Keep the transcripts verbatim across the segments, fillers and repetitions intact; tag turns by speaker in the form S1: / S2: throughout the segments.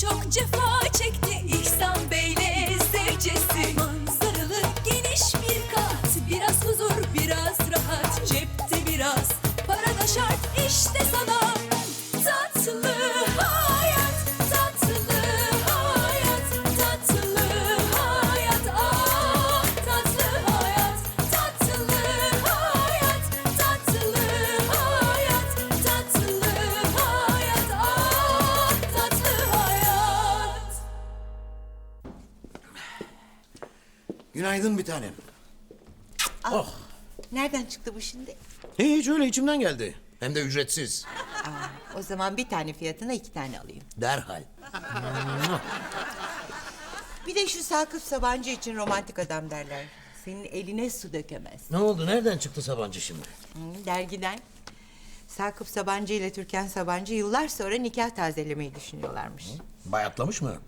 S1: çok cefa çekti İhsan Bey'le zevcesi. Manzaralı geniş bir kat, biraz huzur biraz rahat, cepte biraz para da şart işte sana. Tatlı hayat, tatlı hayat, tatlı hayat, ah tatlı hayat, tatlı hayat, tatlı hayat, tatlı hayat, ah tatlı hayat.
S2: Günaydın bir tanem. Oh.
S3: Nereden çıktı bu şimdi?
S2: Hiç öyle içimden geldi. Hem de ücretsiz.
S3: Aa, o zaman bir tane fiyatına iki tane alayım.
S2: Derhal.
S3: Bir de şu Sakıp Sabancı için romantik adam derler. Senin eline su dökemez.
S2: Ne oldu? Nereden çıktı Sabancı şimdi?
S3: Hı, dergiden. Sakıp Sabancı ile Türkan Sabancı yıllar sonra nikah tazelemeyi düşünüyorlarmış.
S2: Bayatlamış mı?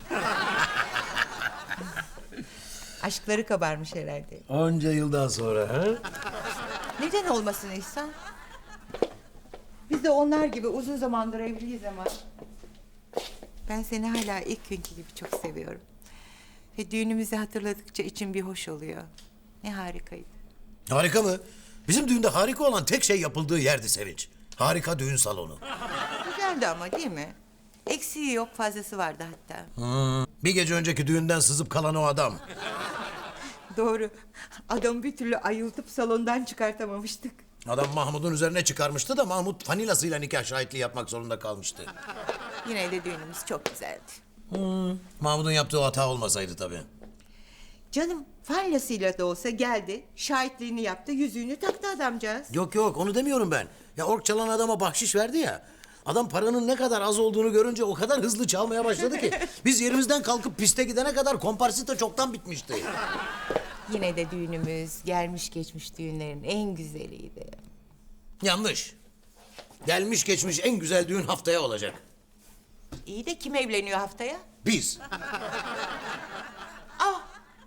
S3: Aşkları kabarmış herhalde.
S2: Onca yıldan sonra ha?
S3: Neden olmasın İhsan? Biz de onlar gibi uzun zamandır evliyiz ama... Ben seni hala ilk günkü gibi çok seviyorum. Ve düğünümüzü hatırladıkça içim bir hoş oluyor. Ne harikaydı.
S2: Harika mı? Bizim düğünde harika olan tek şey yapıldığı yerdi Sevinç. Harika düğün salonu.
S3: Güzeldi ama değil mi? Eksiği yok, fazlası vardı hatta.
S2: Hmm. Bir gece önceki düğünden sızıp kalan o adam.
S3: Doğru. Adamı bir türlü ayıltıp salondan çıkartamamıştık.
S2: Adam Mahmut'un üzerine çıkarmıştı da Mahmut fanilasıyla nikah şahitliği yapmak zorunda kalmıştı.
S3: Yine de düğünümüz çok güzeldi.
S2: Hmm. Mahmut'un yaptığı hata olmasaydı tabii.
S3: Canım fallasıyla da olsa geldi, şahitliğini yaptı, yüzüğünü taktı adamcağız.
S2: Yok yok onu demiyorum ben. Ya ork çalan adama bahşiş verdi ya. Adam paranın ne kadar az olduğunu görünce o kadar hızlı çalmaya başladı ki... ...biz yerimizden kalkıp piste gidene kadar komparsita çoktan bitmişti.
S3: Yine de düğünümüz gelmiş geçmiş düğünlerin en güzeliydi.
S2: Yanlış. Gelmiş geçmiş en güzel düğün haftaya olacak.
S3: İyi de kim evleniyor haftaya?
S2: Biz.
S3: Ah!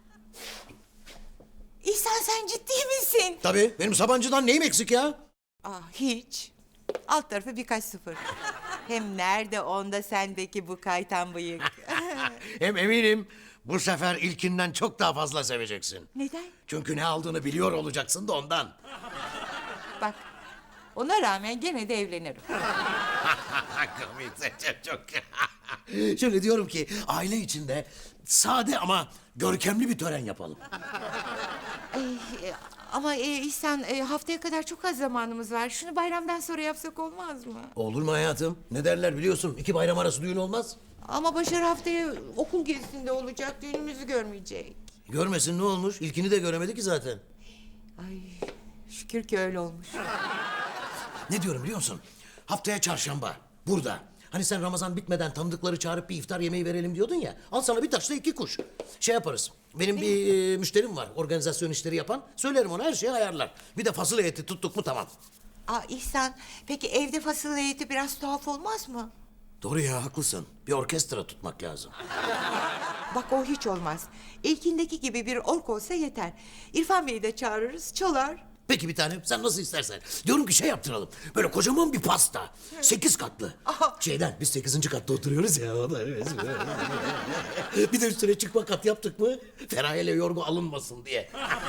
S3: İhsan sen ciddi misin?
S2: Tabii benim Sabancı'dan neyim eksik ya?
S3: Ah hiç. Alt tarafı birkaç sıfır. Hem nerede onda sendeki bu kaytan bıyık?
S2: Hem eminim bu sefer ilkinden çok daha fazla seveceksin.
S3: Neden?
S2: Çünkü ne aldığını biliyor olacaksın da ondan.
S3: Bak ona rağmen gene de evlenirim.
S2: Komikse çok çok. Şöyle diyorum ki aile içinde sade ama görkemli bir tören yapalım.
S3: Ee, ama e, İhsan e, haftaya kadar çok az zamanımız var. Şunu bayramdan sonra yapsak olmaz mı?
S2: Olur mu hayatım? Ne derler biliyorsun? İki bayram arası düğün olmaz.
S3: Ama Başar haftaya okul gezisinde olacak. Düğünümüzü görmeyecek.
S2: Görmesin ne olmuş? İlkini de göremedi ki zaten.
S3: Ay şükür ki öyle olmuş.
S2: Ne diyorum biliyor musun? Haftaya çarşamba burada. Hani sen Ramazan bitmeden tanıdıkları çağırıp bir iftar yemeği verelim diyordun ya. Al sana bir taşla iki kuş. Şey yaparız. Benim bir e, müşterim var. Organizasyon işleri yapan. Söylerim ona her şeyi ayarlar. Bir de fasulye eti tuttuk mu tamam.
S3: Aa İhsan peki evde fasulye eti biraz tuhaf olmaz mı?
S2: Doğru ya haklısın. Bir orkestra tutmak lazım.
S3: Bak o hiç olmaz. İlkindeki gibi bir ork olsa yeter. İrfan Bey'i de çağırırız çalar.
S2: Peki bir tanem sen nasıl istersen. Diyorum ki şey yaptıralım. Böyle kocaman bir pasta. Sekiz katlı.
S3: Aha.
S2: Şeyden biz sekizinci katta oturuyoruz ya. O da evet. Bir de üstüne çıkma kat yaptık mı? Feraye'yle yorgu alınmasın diye.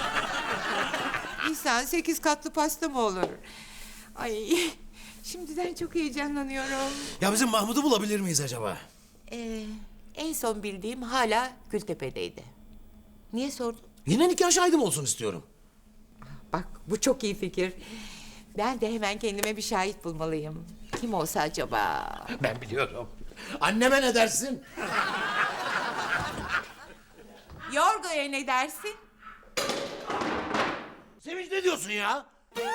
S3: İhsan sekiz katlı pasta mı olur? Ay şimdiden çok heyecanlanıyorum.
S2: Ya bizim Mahmut'u bulabilir miyiz acaba?
S3: Ee, en son bildiğim hala Gültepe'deydi. Niye sordun?
S2: Yine nikah şahidim olsun istiyorum.
S3: Bak bu çok iyi fikir. Ben de hemen kendime bir şahit bulmalıyım. Kim olsa acaba?
S2: Ben biliyorum. Anneme ne dersin?
S3: Yorgo'ya ne dersin?
S2: Sevinç ne diyorsun ya?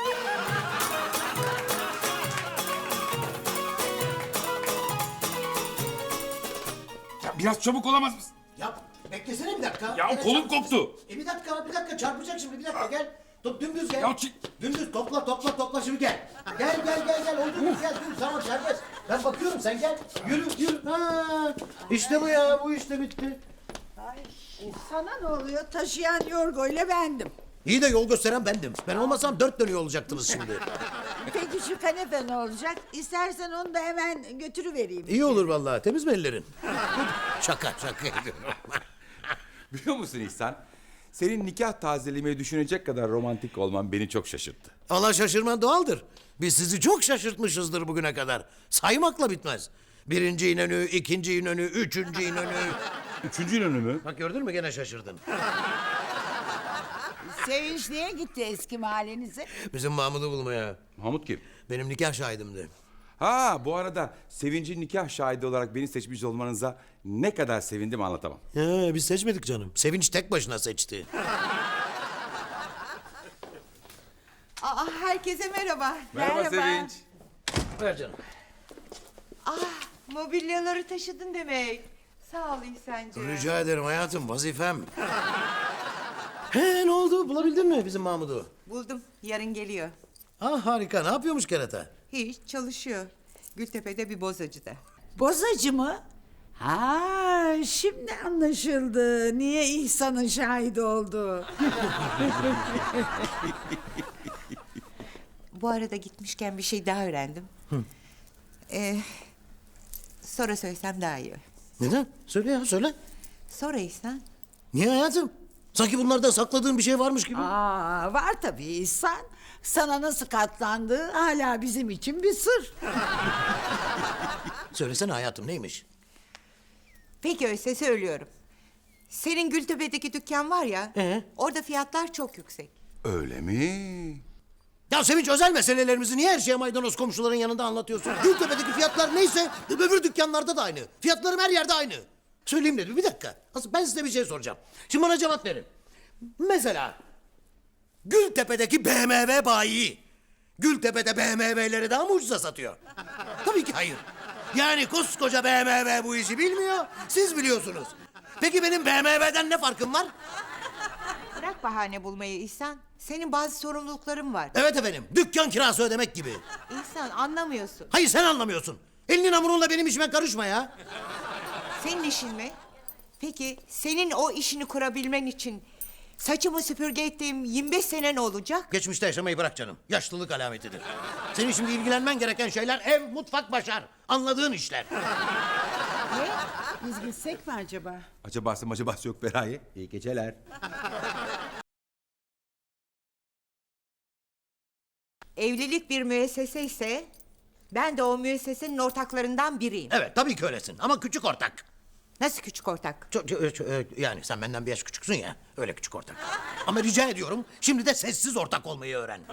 S4: Ya biraz çabuk olamaz mısın?
S2: Ya beklesene bir dakika.
S4: Ya
S2: Evet,
S4: kolum
S2: çarpacak.
S4: koptu.
S2: E bir dakika bir dakika çarpacak şimdi bir dakika gel. Top dümdüz gel.
S4: Ya çi-
S2: Dümdüz topla topla topla şimdi gel. Gel gel gel gel oldu mu gel dur tamam serbest. Ben bakıyorum sen gel. Yürü yürü. Ha, işte bu ya bu işte bitti.
S5: Ay, sana ne oluyor? Taşıyan Yorgo ile bendim.
S2: İyi de yol gösteren bendim. Ben olmasam dört dönüyor olacaktınız şimdi.
S5: Peki şu kanepe ne olacak? İstersen onu da hemen götürüvereyim.
S2: İyi olur vallahi. Temiz mi ellerin? Şaka şaka ediyorum.
S4: Biliyor musun İhsan? Senin nikah tazelemeyi düşünecek kadar romantik olman beni çok şaşırttı.
S2: Allah şaşırman doğaldır. Biz sizi çok şaşırtmışızdır bugüne kadar. Saymakla bitmez. Birinci İnönü, ikinci İnönü, üçüncü İnönü.
S4: Üçüncü İnönü mü?
S2: Bak gördün mü gene şaşırdın.
S5: Sevinç niye gitti eski mahallenize?
S2: Bizim Mahmud'u bulmaya.
S4: Mahmut kim?
S2: Benim nikah şahidimdi.
S4: Ha bu arada Sevinç'in nikah şahidi olarak beni seçmiş olmanıza ne kadar sevindim anlatamam.
S2: Ya, biz seçmedik canım. Sevinç tek başına seçti.
S3: Aa, herkese merhaba.
S4: Sevinç.
S2: Ver canım.
S3: Ah, mobilyaları taşıdın demek. Sağ ol İhsan'cığım.
S2: Rica ederim hayatım, vazifem. He, ne oldu? Bulabildin mi bizim Mahmud'u?
S3: Buldum, yarın geliyor.
S2: Ah harika. Ne yapıyormuş kerata?
S3: Hiç çalışıyor. Gültepe'de bir bozacıda.
S5: Bozacı mı? Ha, şimdi anlaşıldı. Niye İhsan'ın şahidi oldu?
S3: Bu arada gitmişken bir şey daha öğrendim. Ee, sonra söylesem daha iyi.
S2: Neden? Söyle ya, söyle.
S3: Sonra İhsan.
S2: Niye hayatım? Sanki bunlarda sakladığın bir şey varmış gibi.
S5: Aa, var tabii İhsan. Sana nasıl katlandığı hala bizim için bir sır.
S2: Söylesene hayatım, neymiş?
S3: Peki öyleyse söylüyorum. Senin Gültepe'deki dükkan var ya.
S2: Ee?
S3: Orada fiyatlar çok yüksek.
S4: Öyle mi?
S2: Ya Sevinç, özel meselelerimizi niye her şeye maydanoz komşuların yanında anlatıyorsun? Gültepe'deki fiyatlar neyse öbür dükkanlarda da aynı. Fiyatlarım her yerde aynı. Söyleyeyim dedim, bir dakika. Asıl ben size bir şey soracağım. Şimdi bana cevap verin. Mesela Gültepe'deki B M W bayi Gültepe'de B M W'leri daha mı ucuza satıyor? Tabii ki hayır. Yani koskoca B M W bu işi bilmiyor, siz biliyorsunuz. Peki benim B M W'den ne farkım var?
S3: Bırak bahane bulmayı İhsan. Senin bazı sorumlulukların var.
S2: Evet efendim, dükkan kirası ödemek gibi.
S3: İhsan anlamıyorsun.
S2: Hayır, sen anlamıyorsun. Elinin hamurunla benim işime karışma ya.
S3: Senin işin mi? Peki senin o işini kurabilmen için saçımı süpürge ettiğim yirmi beş sene ne olacak?
S2: Geçmişte yaşamayı bırak canım. Yaşlılık alametidir. Senin şimdi ilgilenmen gereken şeyler ev, mutfak, başar. Anladığın işler.
S5: Ne? Biz gitsek mi acaba?
S4: Acabası macabası yok Feraye. İyi geceler.
S3: Evlilik bir müessese ise ben de o müessesenin ortaklarından biriyim.
S2: Evet, tabii ki öylesin ama küçük ortak.
S3: Nasıl küçük ortak?
S2: Çok, çok- çok- yani sen benden bir yaş küçüksün ya. Öyle küçük ortak. Ama rica ediyorum şimdi de sessiz ortak olmayı öğren.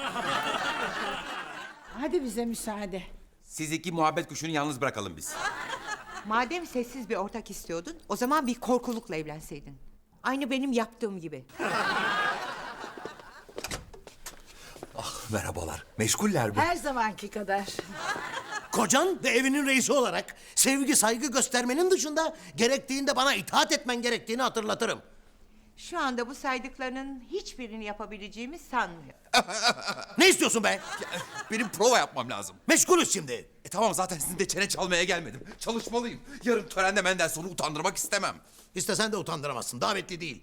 S5: Hadi bize müsaade.
S4: Siz iki muhabbet kuşunu yalnız bırakalım biz.
S3: Madem sessiz bir ortak istiyordun, o zaman bir korkulukla evlenseydin. Aynı benim yaptığım gibi.
S6: Merhabalar. Meşguller mi?
S5: Her zamanki kadar.
S2: Kocan ve evinin reisi olarak sevgi saygı göstermenin dışında gerektiğinde bana itaat etmen gerektiğini hatırlatırım.
S3: Şu anda bu saydıklarının hiçbirini yapabileceğimi sanmıyorum.
S2: Ne istiyorsun be?
S6: Benim prova yapmam lazım.
S2: Meşgulüz şimdi.
S6: E tamam, zaten sizin de çene çalmaya gelmedim. Çalışmalıyım. Yarın törende Mendelssohn'u utandırmak istemem.
S2: İstesen de utandıramazsın. Davetli değil.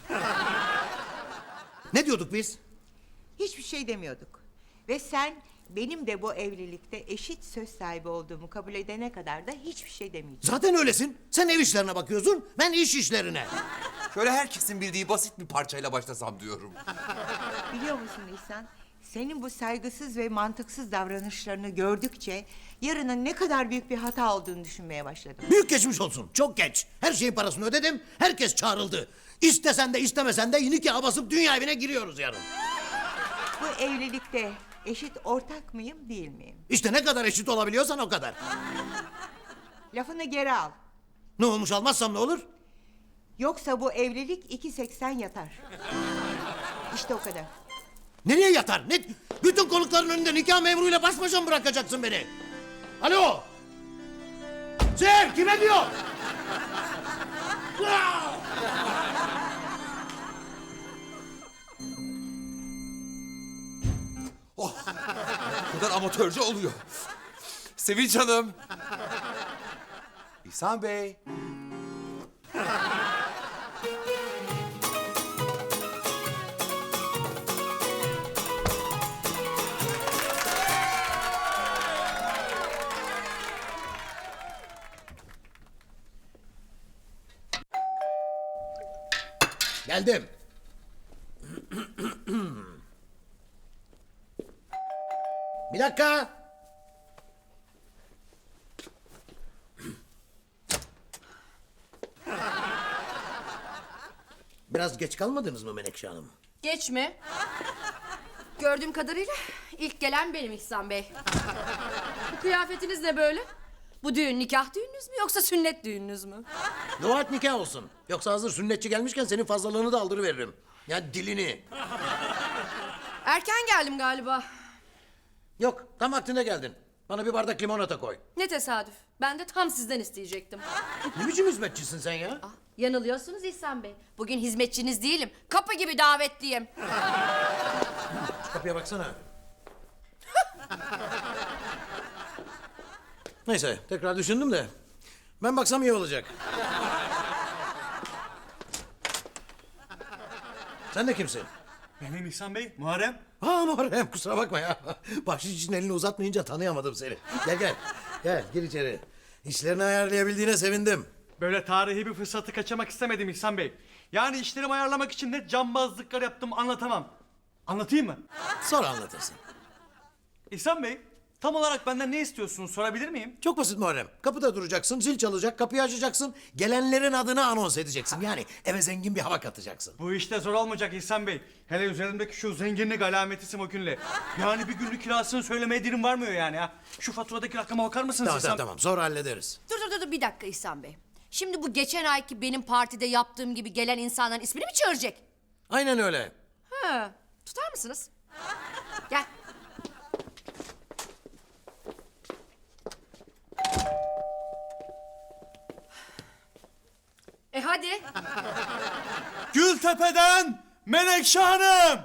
S2: Ne diyorduk biz?
S3: Hiçbir şey demiyorduk. Ve sen benim de bu evlilikte eşit söz sahibi olduğumu kabul edene kadar da hiçbir şey demeyeceksin.
S2: Zaten öylesin. Sen ev işlerine bakıyorsun, ben iş işlerine.
S6: Şöyle herkesin bildiği basit bir parçayla başlasam diyorum.
S3: Biliyor musun İhsan? Senin bu saygısız ve mantıksız davranışlarını gördükçe yarının ne kadar büyük bir hata olduğunu düşünmeye başladım.
S2: Büyük geçmiş olsun. Çok geç. Her şeyin parasını ödedim. Herkes çağrıldı. İstesen de istemesen de nikaha basıp dünya evine giriyoruz yarın.
S3: Bu evlilikte eşit ortak mıyım değil miyim?
S2: İşte ne kadar eşit olabiliyorsan o kadar.
S3: Lafını geri al.
S2: Ne olmuş, almazsam ne olur?
S3: Yoksa bu evlilik iki seksen yatar. İşte o kadar.
S2: Nereye yatar? Ne? Bütün konukların önünde nikah memuruyla baş başa mı bırakacaksın beni? Alo! Sev, kime diyor?
S6: Oh, bu kadar amatörce oluyor. Sevinç Hanım. İhsan Bey.
S2: Geldim. Bir dakika. Biraz geç kalmadınız mı Menekşe Hanım?
S7: Geç mi? Gördüğüm kadarıyla ilk gelen benim İhsan Bey. Bu kıyafetiniz ne böyle? Bu düğün nikah düğününüz mü yoksa sünnet düğününüz mü?
S2: Dua et nikah olsun. Yoksa hazır sünnetçi gelmişken senin fazlalığını da aldırıveririm. Yani dilini.
S7: Erken geldim galiba.
S2: Yok, tam vaktinde geldin. Bana bir bardak limonata koy.
S7: Ne tesadüf. Ben de tam sizden isteyecektim.
S2: Ne biçim hizmetçisin sen ya?
S7: Ah, yanılıyorsunuz İhsan Bey. Bugün hizmetçiniz değilim. Kapı gibi davetliyim.
S2: Şu kapıya baksana. Neyse, tekrar düşündüm de. Ben baksam iyi olacak. Sen de kimsin?
S8: Benim İhsan Bey, Muharrem.
S2: Ha Muharrem, kusura bakma ya. Bahşiş için elini uzatmayınca tanıyamadım seni. Gel gel, gel gir içeri. İşlerini ayarlayabildiğine sevindim.
S8: Böyle tarihi bir fırsatı kaçırmak istemedim İhsan Bey. Yani işlerimi ayarlamak için ne cambazlıklar yaptım anlatamam. Anlatayım mı?
S2: Sonra anlatırsın.
S8: İhsan Bey, tam olarak benden ne istiyorsunuz sorabilir miyim?
S2: Çok basit Muharrem. Kapıda duracaksın, zil çalacak, kapıyı açacaksın. Gelenlerin adını anons edeceksin. Yani eve zengin bir hava katacaksın.
S8: Bu işte zor olmayacak İhsan Bey. Hele üzerimdeki şu zenginlik alameti simokünle. Yani bir günlük kirasını söylemeye dilim varmıyor yani ha. Şu faturadaki rakama bakar mısınız
S2: Tamam
S8: İhsan?
S2: tamam tamam, sonra hallederiz.
S7: Dur dur dur dur, bir dakika İhsan Bey. Şimdi bu geçen ayki benim partide yaptığım gibi gelen insanların ismini mi çağıracak?
S2: Aynen öyle.
S7: Ha, tutar mısınız? Gel. E hadi.
S8: Gültepe'den Menekşe Hanım!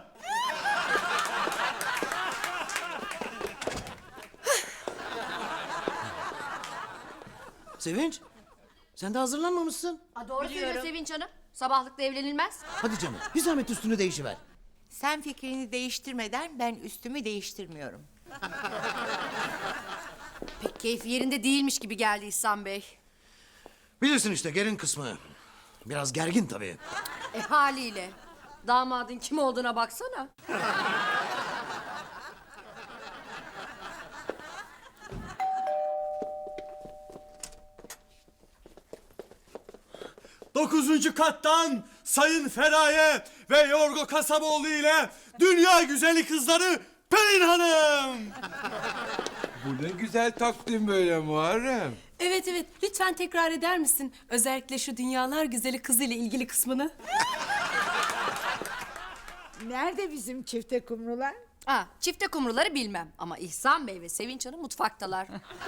S2: Sevinç, sen de hazırlanmamışsın.
S7: Aa, doğru söylüyor Sevinç Hanım. Sabahlıkla evlenilmez.
S2: Hadi canım, bir zahmet üstünü değişiver.
S3: Sen fikrini değiştirmeden ben üstümü değiştirmiyorum.
S7: Pek keyfi yerinde değilmiş gibi geldi İhsan Bey.
S2: Bilirsin işte gelin kısmı. Biraz gergin tabii.
S7: E haliyle. Damadın kim olduğuna baksana.
S8: Dokuzuncu kattan Sayın Feraye ve Yorgo Kasaboğlu ile dünya güzeli kızları Pelin Hanım.
S4: Bu ne güzel takdim böyle Muharrem.
S1: Evet evet lütfen tekrar eder misin? Özellikle şu dünyalar güzeli kızıyla ilgili kısmını.
S5: Nerede bizim çifte kumrular?
S7: Ha, çifte kumruları bilmem ama İhsan Bey ve Sevinç Hanım mutfaktalar.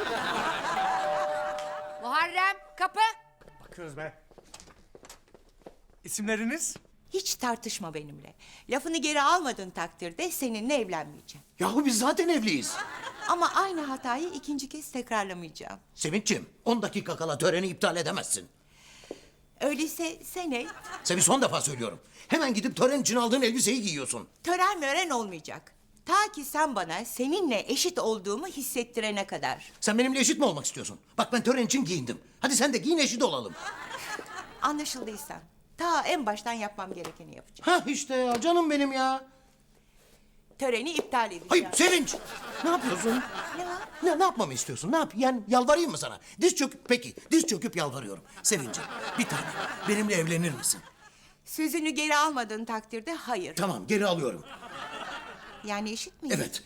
S7: Muharrem kapı.
S8: Bakıyoruz be. İsimleriniz?
S3: Hiç tartışma benimle. Lafını geri almadığın takdirde seninle evlenmeyeceğim.
S2: Yahu biz zaten evliyiz.
S3: Ama aynı hatayı ikinci kez tekrarlamayacağım.
S2: Sevinç'ciğim, on dakika kala töreni iptal edemezsin.
S3: Öyleyse sen et.
S2: Seni son defa söylüyorum. Hemen gidip tören için aldığın elbiseyi giyiyorsun.
S3: Tören mören olmayacak. Ta ki sen bana seninle eşit olduğumu hissettirene kadar.
S2: Sen benimle eşit mi olmak istiyorsun? Bak ben tören için giyindim. Hadi sen de giyin, eşit olalım.
S3: Anlaşıldıysa ta en baştan yapmam gerekeni yapacağım.
S2: Hah işte ya, canım benim ya.
S3: Töreni iptal edeceğim.
S2: Hayır Sevinç, ne yapıyorsun?
S3: Ne var?
S2: Ne, ne yapmamı istiyorsun? Ne yap? Yani yalvarayım mı sana? Diz çöküp, peki diz çöküp yalvarıyorum. Sevinç'im, bir tane benimle evlenir misin?
S3: Sözünü geri almadığın takdirde hayır.
S2: Tamam, geri alıyorum.
S3: Yani eşit miyiz?
S2: Evet.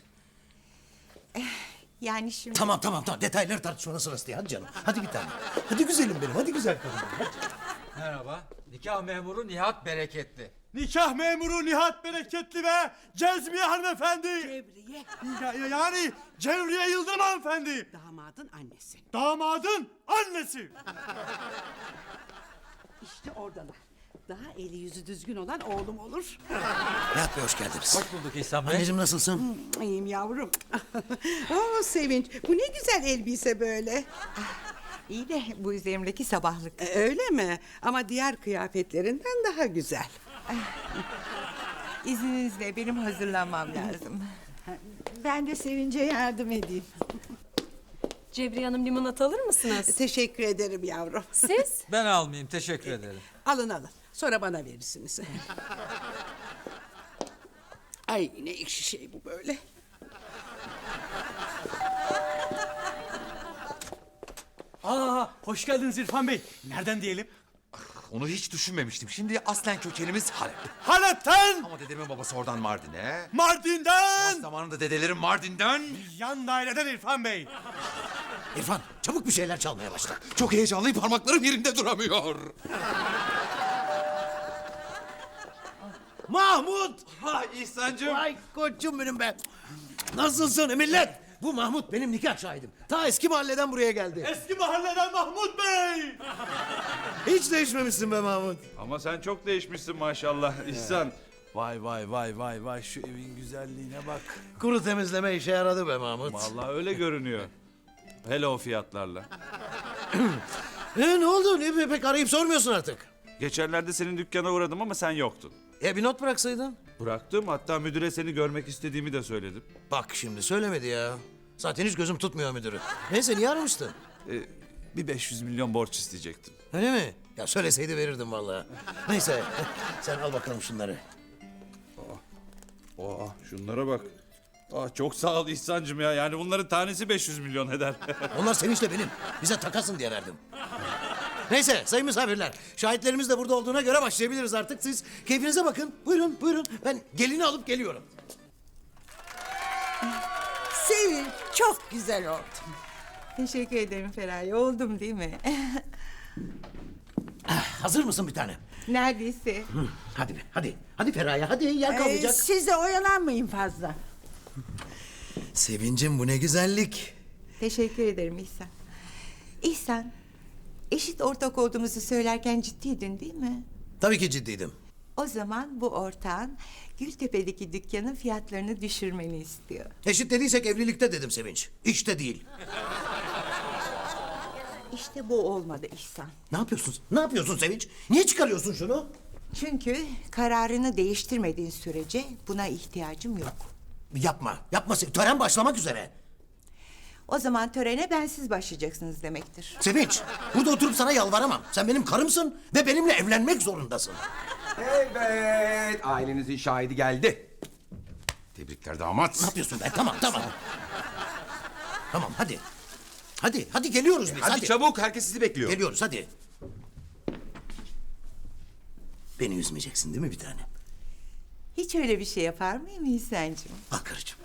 S3: Yani şimdi...
S2: Tamam tamam tamam, detayları tartışmanın sırası değil. Hadi canım, hadi bir tane. Hadi güzelim benim, hadi güzel kadınım. Hadi.
S9: Merhaba. Nikah memuru Nihat Bereketli.
S8: Nikah memuru Nihat Bereketli ve Cezmiye hanımefendi.
S10: Cevriye,
S8: Ya- ya- yani Cevriye Yıldırım hanımefendi.
S10: damadın annesi.
S8: Damadın annesi.
S10: İşte oradalar. Daha eli yüzü düzgün olan oğlum olur.
S2: Nihat Bey hoş geldiniz.
S9: Hoş bulduk İhsan Bey.
S2: Anneciğim nasılsın?
S10: İyiyim yavrum. Oo Sevinç, bu ne güzel elbise böyle.
S3: İyi de bu üzerimdeki sabahlık.
S10: E, öyle mi? Ama diğer kıyafetlerinden daha güzel.
S3: İzninizle benim hazırlanmam lazım.
S5: Ben de Sevinç'e yardım edeyim.
S1: Cebriye Hanım limonata alır mısınız?
S10: Teşekkür ederim yavrum.
S1: Siz?
S9: Ben almayayım, teşekkür ederim.
S10: Alın alın. Sonra bana verirsiniz. Ay ne ekşi şey bu böyle.
S8: Aa, hoş geldiniz İrfan Bey. Nereden diyelim?
S6: Onu hiç düşünmemiştim. Şimdi aslen kökenimiz Halep.
S8: Halep'ten!
S6: Ama dedemin babası oradan Mardin'e.
S8: Mardin'den!
S6: Zamanında dedelerim Mardin'den.
S8: Yan daireden İrfan Bey.
S2: İrfan çabuk bir şeyler çalmaya başla.
S6: Çok heyecanlıyım, parmaklarım yerinde duramıyor.
S2: Mahmut!
S6: Ha İhsan'cığım.
S2: Vay koçum benim ben. Nasılsın millet? Bu Mahmut benim nikah şahidim. Ta eski mahalleden buraya geldi.
S8: Eski mahalleden Mahmut Bey!
S2: Hiç değişmemişsin be Mahmut.
S11: Ama sen çok değişmişsin maşallah İhsan. Vay vay vay vay vay şu evin güzelliğine bak.
S2: Kuru temizleme işe yaradı be Mahmut.
S11: Vallahi öyle görünüyor. Hele o fiyatlarla.
S2: E, ne oldu? Ne, pek arayıp sormuyorsun artık.
S11: Geçenlerde senin dükkana uğradım ama sen yoktun.
S2: E bir not bıraksaydın.
S11: Bıraktım, hatta müdüre seni görmek istediğimi de söyledim.
S2: Bak şimdi söylemedi ya. Zaten hiç gözüm tutmuyor müdürü. Neyse niye aramıştın?
S11: Ee, bir beş yüz milyon borç isteyecektim.
S2: Öyle mi? Ya söyleseydi verirdim vallahi. Neyse sen al bakalım şunları.
S11: Aa, şunlara bak. Aa, çok sağ ol İhsan'cığım ya. Yani bunların tanesi beş yüz milyon eder.
S2: Onlar sevinçle benim. Bize takasın diye verdim. Neyse sayın misafirler. Şahitlerimiz de burada olduğuna göre başlayabiliriz artık. Siz keyfinize bakın. Buyurun buyurun. Ben gelini alıp geliyorum.
S5: Sevin çok güzel oldu.
S3: Teşekkür ederim Feraye. Oldum değil mi?
S2: Hazır mısın bir tane?
S3: Neredeyse.
S2: Hı, hadi be hadi. Hadi Feraye hadi yer
S5: Ee,
S2: kalmayacak.
S5: siz de oyalanmayın fazla.
S2: Sevincim bu ne güzellik.
S3: Teşekkür ederim İhsan. İhsan, eşit ortak olduğumuzu söylerken ciddiydin değil mi?
S2: Tabii ki ciddiydim.
S3: O zaman bu ortağın Gültepe'deki dükkanın fiyatlarını düşürmeni istiyor.
S2: Eşit dediysek evlilikte dedim Sevinç. İşte değil.
S3: İşte bu olmadı İhsan.
S2: Ne yapıyorsun? Ne yapıyorsun Sevinç? Niye çıkarıyorsun şunu?
S3: Çünkü kararını değiştirmediğin sürece buna ihtiyacım yok.
S2: Yapma. Yapma. Se- Tören başlamak üzere.
S3: O zaman törene bensiz başlayacaksınız demektir.
S2: Sevinç, burada oturup sana yalvaramam. Sen benim karımsın ve benimle evlenmek zorundasın.
S6: Evet, ailenizin şahidi geldi. Tebrikler damat.
S2: Ne yapıyorsun be? Tamam, tamam. Tamam, hadi. Hadi, hadi geliyoruz biz.
S6: Hadi,
S2: Hadi,
S6: çabuk, herkes sizi bekliyor.
S2: Geliyoruz, hadi. Beni üzmeyeceksin değil mi bir tane?
S3: Hiç öyle bir şey yapar mıyım İhsan'cığım?
S2: Al karıcığım.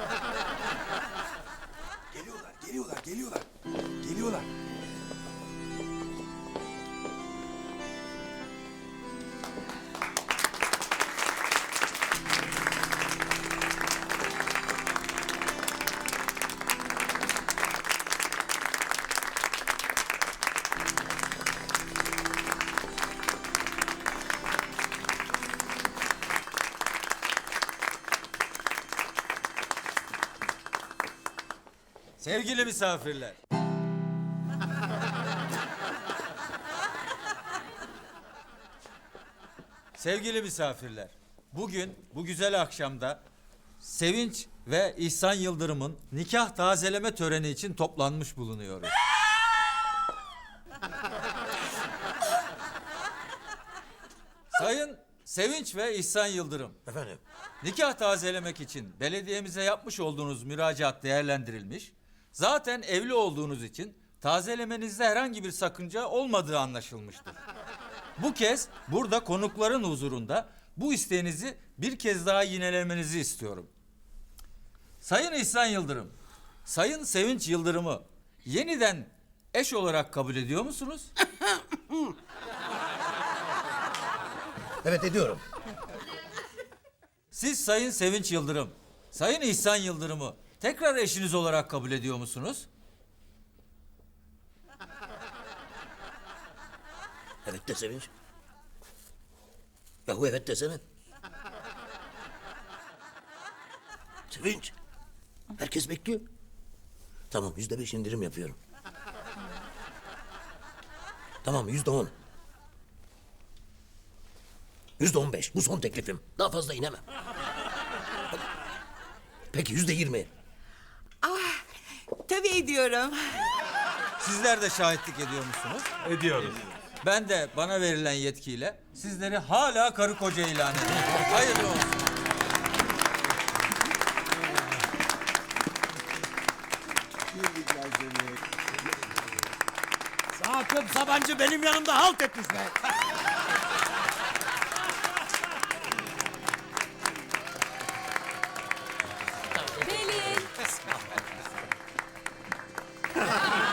S6: Geliyorlar, geliyorlar, geliyorlar. Geliyorlar.
S9: Sevgili misafirler. Sevgili misafirler. Bugün bu güzel akşamda Sevinç ve İhsan Yıldırım'ın nikah tazeleme töreni için toplanmış bulunuyoruz. Sayın Sevinç ve İhsan Yıldırım,
S2: Efendim?
S9: nikah tazelemek için belediyemize yapmış olduğunuz müracaat değerlendirilmiş. Zaten evli olduğunuz için tazelemenizde herhangi bir sakınca olmadığı anlaşılmıştır. Bu kez burada konukların huzurunda bu isteğinizi bir kez daha yinelemenizi istiyorum. Sayın İhsan Yıldırım, Sayın Sevinç Yıldırım'ı yeniden eş olarak kabul ediyor musunuz?
S2: Evet ediyorum.
S9: Siz Sayın Sevinç Yıldırım, Sayın İhsan Yıldırım'ı tekrar eşiniz olarak kabul ediyor musunuz?
S2: Evet de Sevinç. Yahu evet desene. Sevinç. Herkes bekliyor. Tamam yüzde beş indirim yapıyorum. Tamam yüzde on. Yüzde on beş. Bu son teklifim. Daha fazla inemem. Peki yüzde yirmi.
S3: Tabii ediyorum.
S9: Sizler de şahitlik ediyor musunuz?
S11: Ediyoruz.
S9: Ben de bana verilen yetkiyle sizleri hala karı koca ilan ediyorum. Hayırlı olsun.
S2: Sakıp Sabancı benim yanımda halt etmiş be.
S1: Pelin.